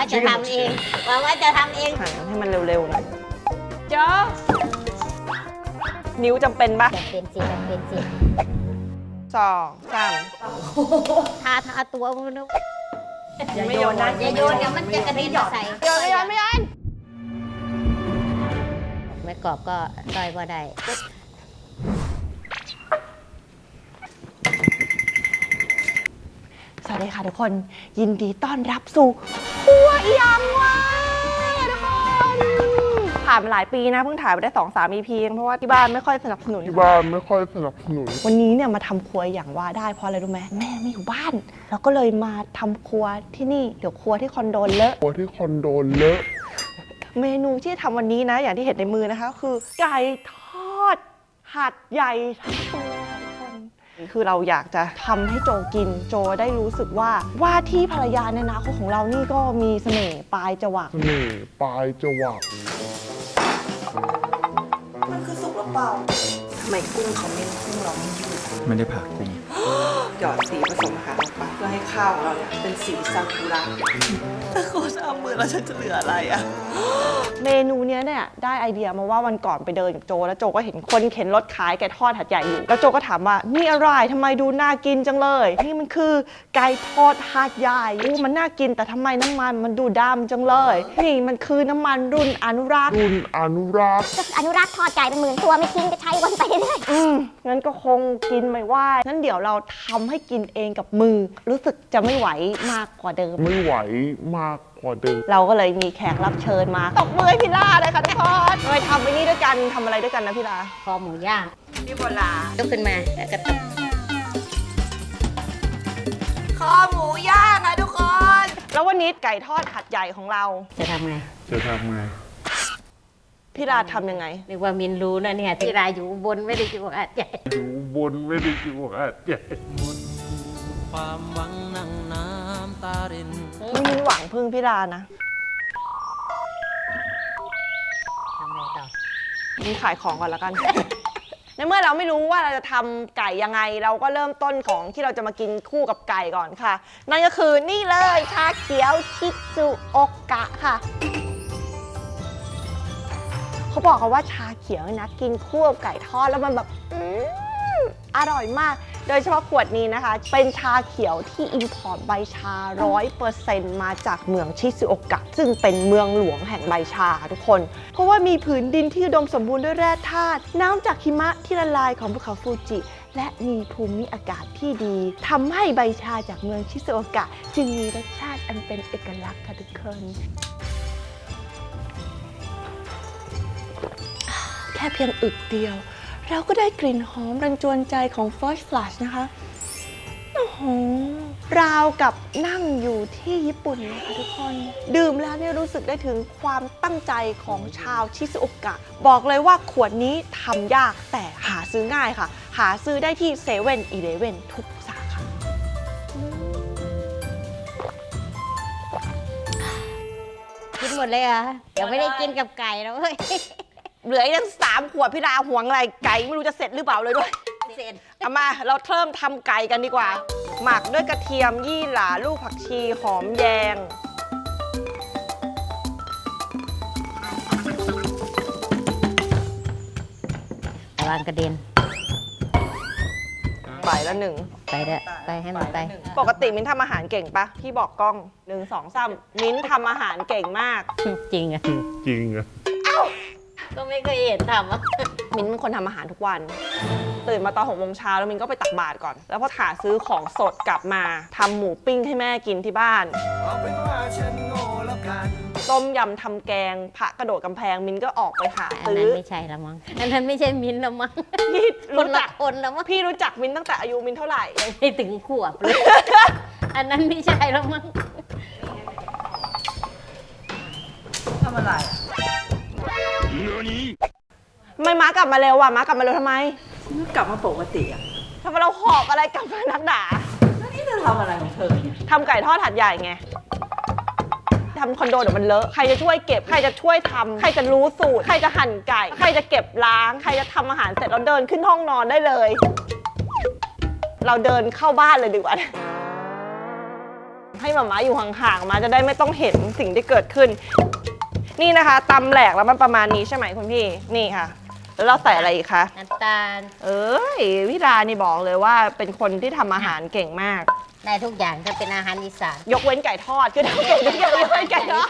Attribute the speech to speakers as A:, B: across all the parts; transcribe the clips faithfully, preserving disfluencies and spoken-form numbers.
A: จะทำเองหวังว่าจะทำเอง
B: หั่นให้มันเร็วๆหน่อยเจ้านิ้วจำเป็นปะ
A: จะเป็นสิจะเป็นสิ
B: สองสาม
A: ทาทาตัวมันนุ๊ก
B: ไม่โยนนะ
A: อย่าโยนเดี๋ยวมันจะกระเด็นมาใส่
B: โยนไม่โยนไม่โยน
A: ไม่กรอบก็ซอยบ่ได้
B: สวัสดีค่ะทุกคนยินดีต้อนรับสู่ครัวอีหยังวะทุกคนผ่านมาหลายปีนะเพิ่งถ่ายไปได้สองสาม อี พี เพราะว่าที่บ้านไม่ค่อยสนับสนุน
C: ที่บ้านไม่ค่อยสนับสนุน
B: วันนี้เนี่ยมาทำครัวอย่างว่าได้เพราะอะไรรู้ไหมแม่ไม่อยู่บ้านเราก็เลยมาทำครัวที่นี่เดี๋ยวครัวที่คอนโดเลอะ
C: ครัวที่คอนโดเลอะ
B: เมนูที่ทำวันนี้นะ อย่างที่เห็นในมือนะคะ คือไก่ทอดหัดใหญ่ทั้งตัวทุกคนคือเราอยากจะทำให้โจกินโจได้รู้สึกว่าว่าที่ภรรยาในอนาคตของเรานี่ก็มีเสน่ห์ปลายจวัก
C: เสน่ห์ปลายจวัก
B: มันคือสุกหรือเปล่าทำไมกุ้งเขาไม่กุ้งเราไม่ยืด
D: ไม่ได้ผ่ากุ้ง
B: หยอดสีผสมอาหารลงไปเพื่อให้ข้าวของเราเนี่ยเป็นสีซากุระถ้าโคชเอามือแล้วฉันจะเหลืออะไรอะเมนูเนี้ยเนี่ยได้ไอเดียมาว่าวันก่อนไปเดินกับโจแล้วโจก็เห็นคนเข็นรถขายไก่ทอดหัดใหญ่อยู่แล้วโจก็ถามว่านี่อะไรทำไมดูน่ากินจังเลยนี่มันคือไก่ทอดหัดใหญ่อู้มันน่ากินแต่ทำไมน้ำมันมันดูดำจังเลยนี่มันคือน้ำมันรุ่นอนุรักษ์
C: รุ่นอนุรักษ์
E: ก็อนุรักษ์ทอดไก่เป็นหมื่นตัวไม่ทิ้งจะใช้วนไปเรื่อย
B: อืมงั้นก็คงกินไม่ไหวงั้นเดี๋ยวเราทำให้กินเองกับมือ รู้สึกจะไม่ไหวมากกว่าเดิม
C: ไม่ไหวมากกว่าเดิม
B: เราก็เลยมีแขกรับเชิญมาตบมือให้พี่ลาเลยค่ะทุกคนเลยทำไปนี่ด้วยกันทำอะไรด้วยกันนะพี่ลา
A: คอหมูย่าง
B: พี่โบลาย
A: กขึ้นมาแล้วก็ตบ
B: คอหมูย่างค่ะทุกคน แล้ววันนี้ไก่ทอดหัดใหญ่ของเรา
A: จะทำไง
C: จะทำไง
B: พี่ลาทำยังไง
A: นึกว่ามินรู้นะเนี่ยที่รายอยู่อุบนไม่ได้อยู่อาดใหญ่
C: อยู่บนไม่ได้อยู่อ่ะใหญ่
F: ความหวังนั่งน้ำตาริน
B: ไม่มีหวังพึ่งพี่ลานะ
A: ทำไงต่อ
B: นี่ขายของก่อนแล้วกัน ในเมื่อเราไม่รู้ว่าเราจะทำไก่ยังไง เราก็เริ่มต้นของที่เราจะมากินคู่กับไก่ก่อนค่ะ นั่นก็คือนี่เลยชาเขียวชิซุโอกะค่ะ เขาบอกกันว่าชาเขียวนะกินคู่กับไก่ทอดแล้วมันแบบอืมอร่อยมาก โดยเฉพาะขวดนี้นะคะ เป็นชาเขียวที่อินพอร์ตใบชา ร้อยเปอร์เซ็นต์ มาจากเมืองชิซุโอกะ ซึ่งเป็นเมืองหลวงแห่งใบชาค่ะทุกคน เพราะว่ามีผืนดินที่อุดมสมบูรณ์ด้วยแร่ธาตุน้ำจากหิมะที่ละลายของภูเขาฟูจิ และมีภูมิอากาศที่ดีทำให้ใบชาจากเมืองชิซุโอกะ จึงมีรสชาติอันเป็นเอกลักษณ์ค่ะทุกคน แค่เพียงอึกเดียว เราก็ได้กลิ่นหอมรันจวนใจของ First Flush นะคะโอ้โหราวกับนั่งอยู่ที่ญี่ปุ่นเลยค่ะทุกคน ดื่มแล้วเนี่ยรู้สึกได้ถึงความตั้งใจของชาวชิซุโอกะ บอกเลยว่าขวดนี้ทำยากแต่หาซื้อง่ายค่ะ หาซื้อได้ที่เซเว่นอีเลฟเว่นทุกสาขา
A: กินหมดเลยเหรอยังไม่ได้กินกับไก่แล้วเฮ้ย
B: เหลืออีกตั้งสามขวดพี่ดาห่วงอะไรไก่ไม่รู้จะเสร็จหรือเปล่าเลยด้วย
A: เสร็จ
B: เอามาเราเริ่มทำไก่กันดีกว่า หมักด้วยกระเทียมยี่หร่าลูกผักชีหอมแยง
A: ระวังกระเด็น
B: ใบละหนึ่ง
A: ไปเด้อไปให้มันไป
B: ปกติมิ้นทำอาหารเก่งปะพี่บอกกล้องหนึ่งสองสามมิ้นทำอาหารเก่งมาก
A: จริงอ่ะ
C: จริงอะ
A: ก็ไม่เคยเห็นทำอ่ะ
B: มิ้นเป็นคนทำอาหารทุกวัน ตื่นมาตอนหกโมงเช้าแล้วมิ้นก็ไปตักบาตรก่อน แล้วพอหาซื้อของสดกลับมาทำหมูปิ้งให้แม่กินที่บ้าน
F: เอาเป็นว่าฉันโง่แล้วกัน
B: ต้มยำทำแกงพระกระโดดกำแพงมิ้นก็ออกไปหา
A: อัน
B: ซื้
A: นั้
B: อ
A: นไม่ใช่ละมั้งอันนั้นไม่ใช่มิ้นท์ละมั้ง
B: พี่
A: คน
B: รู้
A: ละ
B: จัก
A: คนละมั้ง
B: พี่รู้จักมิ้นตั้งแต่อายุมิ้นเท่าไหร่
A: ยังไม่ถึงขวบเลย อันนั้นไม่ใช่ละมั้ง
B: ทำไมม้ากลับมาเร็วอ่ะม้ากลับมาเร็วทำไม
G: กลับมาปกติอ่ะ
B: ทำไมเราหอบอะไรกลับมานักหนา
G: แล้วนี่เธอทำอะไรของเธอเนี่ย
B: ทำไก่ทอดหัดใหญ่ไงทำคอนโดเดี๋ยวมันเลอะใครจะช่วยเก็บใครจะช่วยทำใครจะรู้สูตรใครจะหั่นไก่ใครจะเก็บล้างใครจะทำอาหารเสร็จเราเดินขึ้นห้องนอนได้เลย เราเดินเข้าบ้านเลยดีกว่าให้หมาม้าอยู่ห่างๆมาจะได้ไม่ต้องเห็นสิ่งที่เกิดขึ้น นี่นะคะตำแหลกแล้วมันประมาณนี้ใช่ไหมคุณพี่นี่ค่ะ แล้วเราใส่อะไรอีกคะ
A: น้ำตาล
B: เอ้ยวิดานี่บอกเลยว่าเป็นคนที่ทำอาหารเก่งมาก
A: ได้ทุกอย่างถ้าเป็นอาหารอีสาน
B: ยกเว้นไก่ทอดคือทำเก่งทุกอย่างยกเว้นไก่ทอด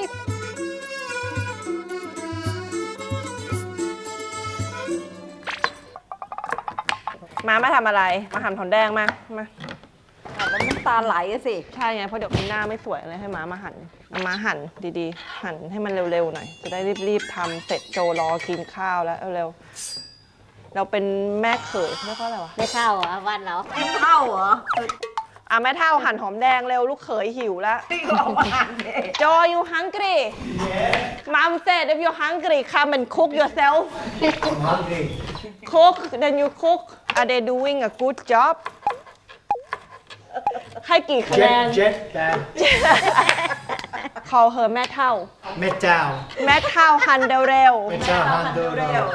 B: มามาทำอะไรมาหั่นหอมแดงมามา
G: แล้วน้ำตาไหลอะสิ
B: ใช่ไงเพราะเดี๋ยวมันหน้าไม่สวยเลยให้ม้ามาหั่นเอามาหั่นดีๆ หั่นให้มันเร็วๆหน่อยจะได้รีบๆทำเสร็จโจรอกินข้าวแล้วเร็วๆเราเป็นแม่เขยเรียกว่าอะไรวะ
A: ไม่เท่าเหรอวันเรา
G: เข้าเหรอ
B: อ่ะแม่เท่าหั่นหอมแดงเร็วลูกเขยหิวแล้ว
G: ที่เราอ่านเอง
B: โจ you hungry mom said if you're hungry come and cook yourself
D: I'm hungry.
B: cook then you cook are they doing a good job ให้กี่คะแนน
D: Jet, jet, dad.
B: call her แม่เท่า
D: Metal.
B: แม่เท่าหั่นเร็ว
D: Metal handle.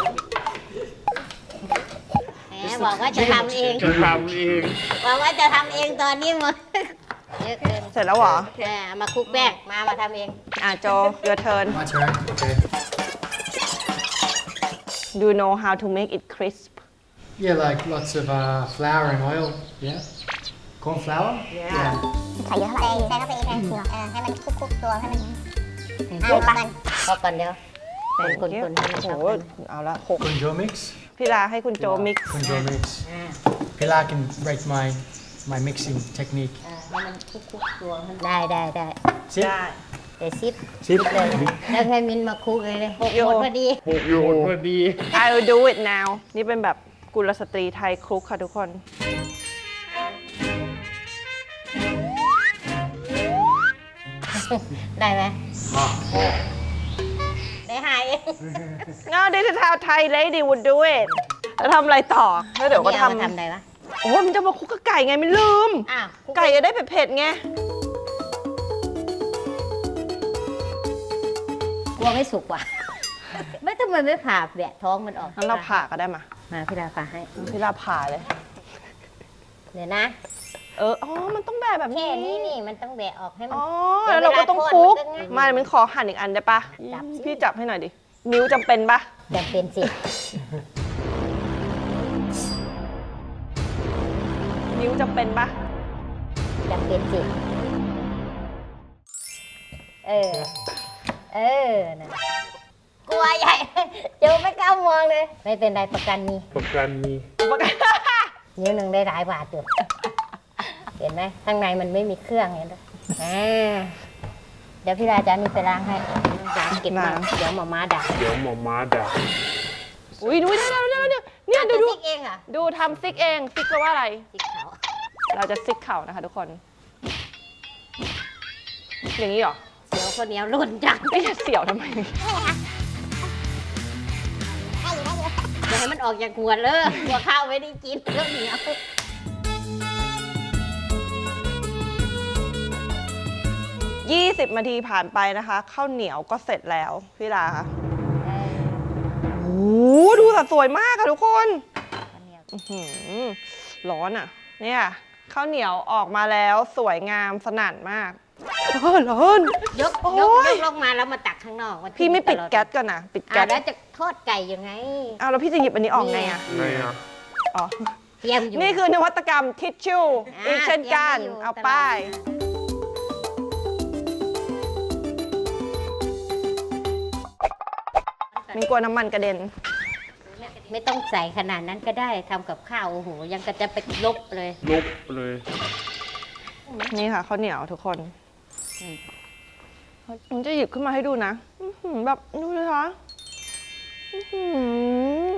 A: แหมบอกว่าจะทำเอง
C: จะทำเอง
A: บอกว่าจะทำเองตอนนี้หมดเยอะเกิน
B: ๆเสร็จแล้วเหรอ
A: แหมเอามาคลุกแป้งมามาทำเอง
B: อ่ะโจ your turn
D: My turn. Okay.
B: do you know how to make it crisp
D: Yeah, like lots of uh, flour and oil. Yeah. Corn flour? Yeah.
E: ใส่เยอะเท่าไหร่ใส่เข้าไปอีกนะเออให้มันคุกๆตัวให้มัน
A: คลุกมันพอก่อนเดี๋ยวเป็นคนๆให้มัน
B: โอ้
A: เข้า
B: โห
A: กัน
B: เอาละหก
D: Kunjo mix.
B: พี่ลาให้คุณโจ mix
D: Kunjo mix. Pilar can rate my my mixing technique.
A: อ่าให้มันคลุกๆตัวให้ได้ได้ได้
D: Sit.
A: เดี๋ยวซิป
D: Sit.
A: เลยแล้วให้มินมาคลุกเลยเลยหกหมดพอดี
C: หกโยนพอดี
B: I will do it now นี่เป็นแบบกุลสตรีไทยคลุกค่ะทุกคน
A: ได้ไหมได้หายเอง
B: No this is how Thai lady would do it แล้วทำอะไรต่อ แล้วเดี๋ยวก็
A: นี่อามา
B: ทำ
A: ทำอะไรวะ
B: โอ้ยมันจะมาคลุกกับไก่ไงไม่ลืม
A: อ้าวคลุ
B: ไก่จะได้เผ็ดๆไง
A: กลัวไม่สุกว่ะ ไม่ทำไมไม่ผ่าแบะท้องมันออก
B: งั้นเราผ่าก็ได้มา
A: มาพี่ดาผ่าให้
B: พี่ลาผ่าเลย
A: เดี๋ยวนะ
B: เออ อ๋อ มันต้องแบบแบบ
A: แค่
B: นี้
A: นี้นี่มันต้องแบะออกให้มัน
B: อ๋อ
A: เดี๋
B: แล้
A: ยว
B: วเราก็ต้อง
A: เวลา
B: คลุก
A: ทอดมันก็ง่าย
B: มาเดี๋ยวมันขอหั่นอีกอันได้ปะ
A: จับสิ
B: พี่จับให้หน่อยดิ นิ้วจำเป็นปะ
A: จำเป็นสิ
B: นิ้วจำเป็นปะ
A: จำเป็นสิ เออ เออนะกลัวใหญ่ เดี๋ยวไม่กล้ามองเลย ไม่เป็นไรประกันมี
C: ประกันมี
A: นิ้วหนึ่งได้หลายบาทอยู่ เห็นไหมข้างในมันไม่มีเครื่องเห็นไหมอ่าเดี๋ยวพี่ราจะมีไปล้างให้ล้างเก็บมา
B: ล้าง
A: เดี๋ยวหมอม้าด่า
C: เดี๋ยวหมอม้าด่า
B: อุ้ยดูได้แล้วได้แล้วเนี่ยเนี่ยดู
A: จะ
B: ดู
A: ซิกเองเหรอ่ะ
B: ดูทำซิกเอง ซิกแปลว่าอะไร
A: ซิกเขา
B: เราจะซิกเข่านะคะทุกคน อย่างนี้เหรอ
A: เสียวคนเหนียวหล่นจัง
B: ไม่จะเสี่ยวทำไม
A: อย่าให้มันออกจากหัวเลยหัวข้าวไม่ได้กินเรื่องเหนียว
B: ยี่สิบนาทีผ่านไปนะคะข้าวเหนียวก็เสร็จแล้วพี่ลาค่ะโอ้โหดูสัดสวยมากค่ะทุกคนอื้อหือร้อนอ่ะ เนี่ยข้าวเหนียวออกมาแล้วสวยงามสนั่นมากเออร้อน
A: ยก
B: โอ้
A: ยก
B: ย
A: ยกลงมาแล้วมาตักข้างนอกน
B: พี่ไม่ปิด
A: ตลอ
B: แก๊สก่อนนะปิด
A: อ่ะ
B: แก๊ส
A: แล้วจะทอดไก่ยังไง
B: อ้าวแล้วพี่จะหยิบอันนี้ออกไงอ่ะ
C: ไงอ่ะ
B: อ๋อ
A: เตรียมอยู่
B: นี่คือนวัตกรรมทิชชู่
A: อ่า
B: อีกเช่นกัน
A: เตรียมไว้อยู่
B: เอา
A: ตลอด
B: ป้าย มีกลัวน้ำมันกระเด็น
A: ไม่ต้องใส่ขนาดนั้นก็ได้ทำกับข้าวโอ้โหยังก็จะไปลบเลย
C: ลุกเลย
B: นี่ค่ะข้าวเหนียวทุกคน
A: อืม
B: ผมจะหยิบขึ้นมาให้ดูนะอื้อหือแบบดูเลยคะอื้อหือ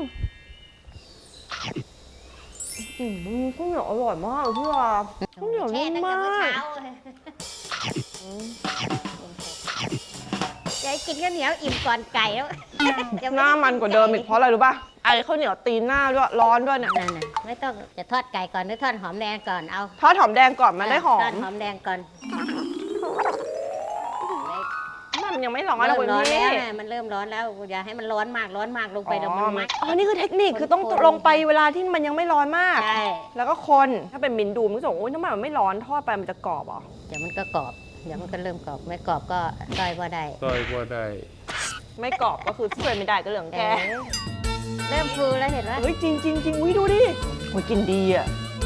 B: อื้อหือข้าวเหนียวอร่อยมากพี่วาข้าวเหนียว
A: แช่
B: นุ่ม
A: ตั้งแต่
B: มา
A: เมื่อเช้าก เลยยายกินข้าวเหนียวอิ่มก่อนไก่แล้วจะไ
B: หน้ามันกว่าเดิมอีกเพราะอะไรรู้ป่ะไอ้ข้าวเหนียวตีหน้าด้วยร้อนด้วยเนี่ย
A: นั่นน่ะไม่ต้องจะทอดไก่ก่อนหรือทอดหอมแดงก่อนเอา
B: ทอดหอมแดงก่อนมันได้หอ
A: ทอ
B: ม
A: ดหอมแดงก่อน
B: มันมันยังไม่ร้อนนะ
A: เริ่ม
B: คุณ
A: ร้อน
B: พี่
A: แล้วนะมันเริ่มร้อนแล้วอย่าให้มันร้อนมากร้อนมากลงไปแล้วมันไหม
B: อ๋อ นี่คือเทคนิค คือต้อง
A: คนๆ
B: ลงไปเวลาที่มันยังไม่ร้อนมาก
A: ใช่
B: แล้วก็คน ถ้าเป็นมินดูมันก็จะบอกโอ้ยทำไมมันไม่ร้อนทอดไปมันจะกรอบเหรอ
A: เดี๋ยวมันก็กรอบเดี๋ยวมันก็เริ่มกรอบไม่กรอบก็ต้อยพอได้
C: ต้อยว่าได้
B: ไม่กรอบก็คือช่วยไม่ได้ก็เหลืองแก
A: เออเริ่มฟูแล้วเห็นไหม
B: เฮ้ยจริงจริงจริงอุ้ยดูดิโอ้ยกินดีอ่ะ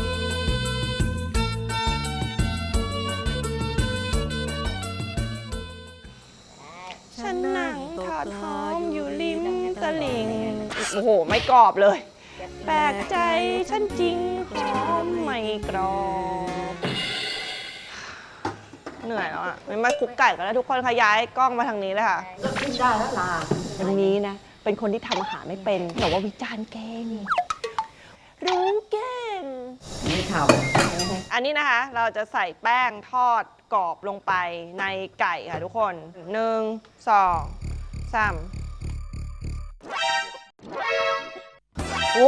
B: ฉันนั่งทอดหอมอยู่ริมตลิ่ง โอ้โห ไม่กรอบเลย แปลกใจฉันจริงหอมไม่กรอบ เหนื่อยแล้วอ่ะไม่มาคุกไก่กันแล้วทุกคนขย้ายกล้องมาทางนี้เลยค่ะ
G: กินได้แล้วล่ะ
B: วันนี้นะ เป็นคนที่ทำอาหารไม่เป็น แต่ว่าวิจารณ์เก่ง รู้เก่ง
G: ไม่ท
B: อันนี้นะคะ เราจะใส่แป้งทอดกรอบลงไปในไก่ค่ะทุกคนหนึ่งสองสามโอ้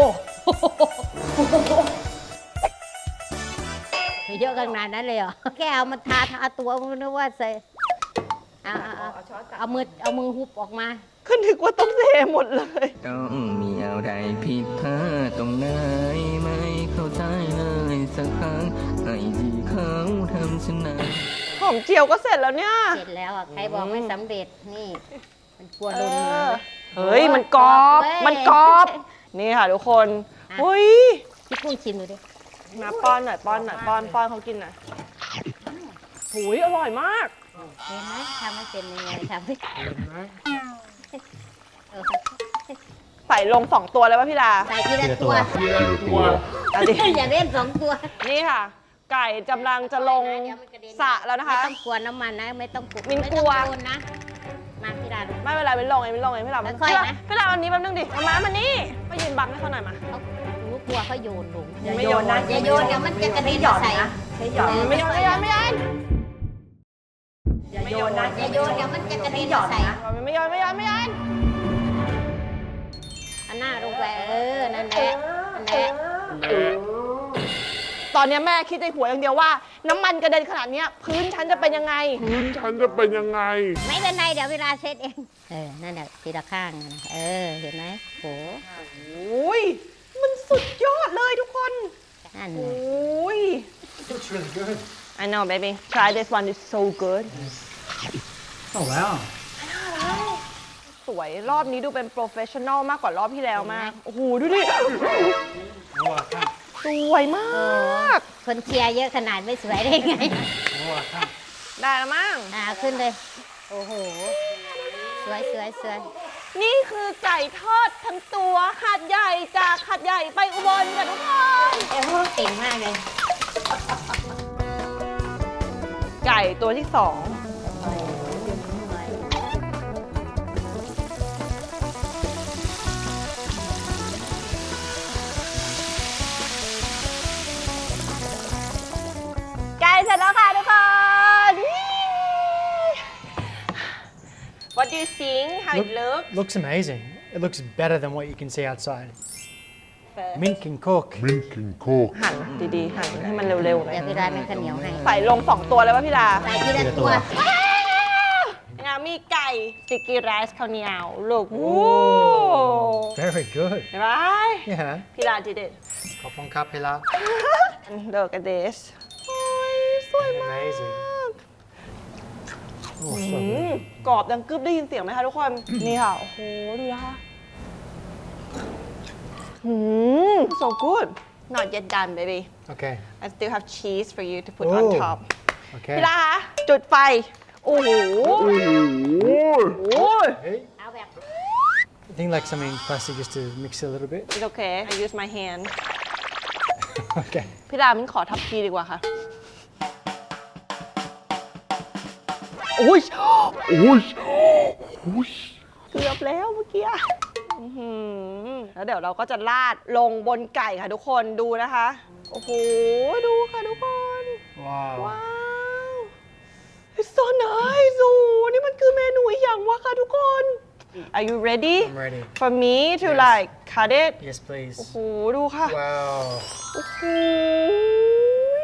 A: เยอะขนาดนั้นเลยเหรอแค่เอามาทาทาตัวมันนึกว่าใส่เอาเอาเอาเอามือเอามือหุบออกมา
B: ขึ้นถึกว่าต้องเทหมดเลย
F: ต้องมีอะไรผิดพลาดตรงไหนไม่เข้าใจเลยสักครั้งไอ้ที่เขาทำฉันนั้น
B: หอมเจียวก็เสร็จแล้วเนี่ย
A: เสร็จแล้วอ่ะใครบอกไม่สำเร็จนี่ มันกลัวโดน
B: เอ
A: มื
B: อ
A: อ
B: เฮ้ย มันกรอบ
A: เว้ย
B: มันกรอบ นี่ค่ะทุกคน
A: อ่ะ
B: เฮ้ย
A: พี่กุ้งชิมดูดิ
B: มาป้อนหน่อยป้อนหน่อยป้อนป้อนเขากินหน่อยหุยอร่อยมาก
A: เห็นไหมทำไม่เป็นยังไงทำไม่
C: เห็นไหม
A: เออ
B: ใส่ลงสองตัวเลยป่ะพี่ดา
A: ใส่ทีละตัว
C: ทีละตัว
B: เอาดิ
A: อย่าเล่นสองตัว
B: นี่ค่ะ ไก่กำลังจะลงสระแล้วนะคะ
A: ไม่ต้องกลัวน้ำมันนะ ไม่ต้องกลัว
B: มิน
A: ไม่
B: กลั
A: ต้อง
B: ว
A: โดนนะ มาพี่ดาดู
B: ไม่เป็นไรไม่ลงเองไม่ลงเองพี่ดา
A: ค่อยๆนะ
B: พี่ดาวันนี้แป๊บนึงดิมามามานี่มายืนบังให้เขาหน่อยมา
A: เขารู้กลัวเขาโยนลง
G: ำ
B: ไม่โยนนะ
A: อย่าโยนเดี๋ยวมันจะกระเด็น
G: หยอด
A: ใส่
G: นะใช้หยอด
B: ไม่โยนไม่โยนไม่โยน
G: อย่าโยนนะ
A: อย่าโยนเดี๋ยวมันจะกระเด็น
G: หยอด
A: ใส่
G: นะ
B: ไม่โยนไม่โยนไม่โยน
A: อันหน้าลงไปเออ นั่นแหละนั่นแหละ
C: แม่
B: ตอนนี้แม่คิดในหัวอย่างเดียวว่าน้ำมันกระเด็นขนาดเนี้ยพื้นฉันจะเป็นยังไง
C: พื้นฉันจะเป็นยังไง
A: ไม่เป็นไรเดี๋ยวเวลาเซตเอง เออ นั่นแหละทีละข้างนะเออ เห็นไหมโห
B: โอ้ยมันสุดยอดเลยทุกคน
A: นั่น
B: โอ
A: น่ะ
B: ้ย
D: Looks really good.
B: I know baby try this one it's so good
D: Oh wow.
B: สวยรอบนี้ดูเป็นโปรเฟชชั่นอลมากกว่ารอบที่แล้วมาก โอ้โห ดูดิ
D: Oh, I can't.
B: สวยม
A: โอ้
B: าก
A: คนเชียร์เยอะขนาดไม่สวยได้ไง
D: Oh, I can't.
B: ได้แล้วมั้ง
A: อ่าขึ้นเลย โอ้โห สวยสวยสวย
B: นี่คือไก่ทอดทั้งตัวหาดใหญ่จากหาดใหญ่ไปอุบลค่ะทุกคน
A: เอ้โหเก่งมากเลย
B: ไก่ตัวที่สองไก่เสร็จแล้วค่ะทุกคน What do you think how it looks
D: Looks amazing. It looks better than what you can see outside. Mint can cook.
C: มินกินโคก
B: หั่นดีๆ หั่นให้มันเร็วๆหน่อย
A: เดี๋ยวพี่ดาเป็นข้าวเหนียวให้
B: ใส่ลงสองตัวเลยป่ะพี่ดา
A: ใส่ทีละตัว
B: งามีไก่สติกกี้ไรซ์ข้าวเหนียวลูกโอ้
D: Very good.
B: เห็นไหม
D: Yeah.
B: พี่ดาดีเด็ด
D: Hop on Capilla.
B: เลิกกันเดสโอ้ยสวยมาก
D: Amazing. Oh,
B: อื
D: so
B: ม
D: good.
B: กรอบดังกึบได้ยินเสียงไหมคะทุกคน นี่ค่ะ โอ้โห ดูนะคะอืม so good not yet done baby
D: Okay.
B: I still have cheese for you to put on
D: Oh.
B: top
D: Okay.
B: พี่ดาคะจุดไฟ โอ้โห
C: โอ้โห
B: โอ้ย
D: Hey,
A: เอาแบบ
D: I think like something plastic just to mix it a little bit.
B: it's okay I use my hand
D: Okay.
B: พี่ดามินขอทับทีดีกว่าค่ะ โอ้ย
C: โอ้ยโอ้ย
B: เกือบแล้วเมื่อกี้อื้อหือแล้วเดี๋ยวเราก็จะราดลงบนไก่ค่ะทุกคนดูนะคะ โอ้โห ดูค่ะทุกคน
D: Wow.
B: ว้าว It's so nice โอ้โหนี่มันคือเมนูอีกอย่างวะค่ะทุกคน Are you ready
D: I'm ready.
B: for me to
D: Yes.
B: like cut it
D: Yes, please.
B: โอ้โห ดูค่ะ
D: Wow.
B: โอ้โห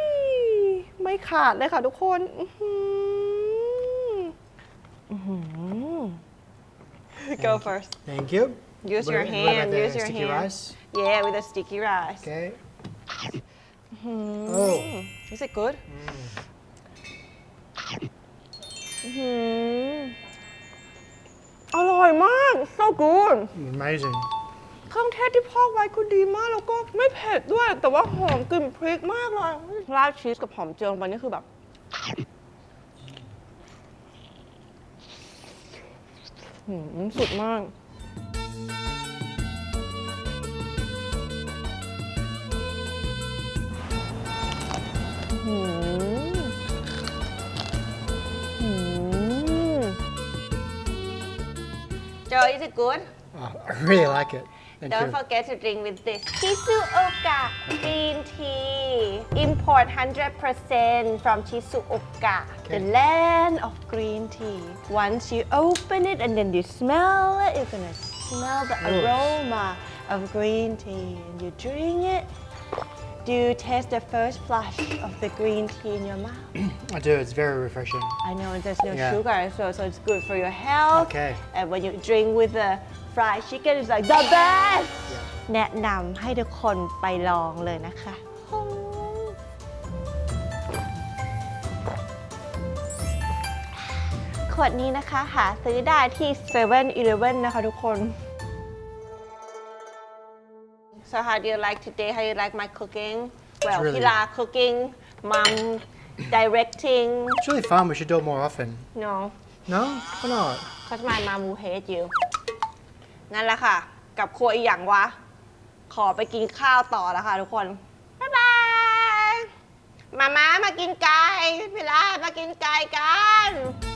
B: ไม่ขาดเลยค่ะทุกคน อื้อหืออื้อหือ Go first.
D: Thank you.
B: Use
D: What
B: your
D: about- what about
B: hand.
D: the
B: Use your
D: sticky
B: hand.
D: rice?
B: Yeah, with the sticky rice.
D: Okay.
B: Hmm.
D: Oh.
B: Is it good? Hmm. อร่อยมาก so good
D: Amazing.
B: เครื่องเทศที่พอกไว้คือดีมาก แล้วก็ไม่เผ็ดด้วย แต่ว่าหอมกลิ่นพริกมากเลยราดชีสกับหอมเจียวลงไปนี่คือแบบหืมสุดมาก หืมหืม Joe, is it good?
D: Oh, I really like it. Thank
B: Don't
D: you.
B: forget to drink with this Shizuoka green tea. Import one hundred percent from Shizuoka, the land of green tea. Once you open it and then you smell it, you're gonna smell the aroma of green tea. And you drink it. Do you taste the first flush of the green tea in your mouth?
D: I do. It's very refreshing.
B: I know there's no
D: Yeah.
B: sugar, so, so it's good for your health.
D: Okay.
B: And when you drink with the fried chicken, it's like the best. แนะนำให้ทุกคนไปลองเลยนะคะ ขวดนี้นะคะหาซื้อได้ที่เซเว่นอีเลฟเว่นนะคะทุกคน So how do you like today? How you like my cooking? Well,
D: really-
B: Pila cooking, mom directing.
D: It's really fun. We should do it more often.
B: No,
D: No? Why not?
B: because my mom will hate you. นั่นแหละค่ะ กับครัวอีหยังวะ ขอไปกินข้าวต่อแล้วค่ะทุกคน บ๊ายบาย มาม่ามากินไก่พี่ลามากินไก่กัน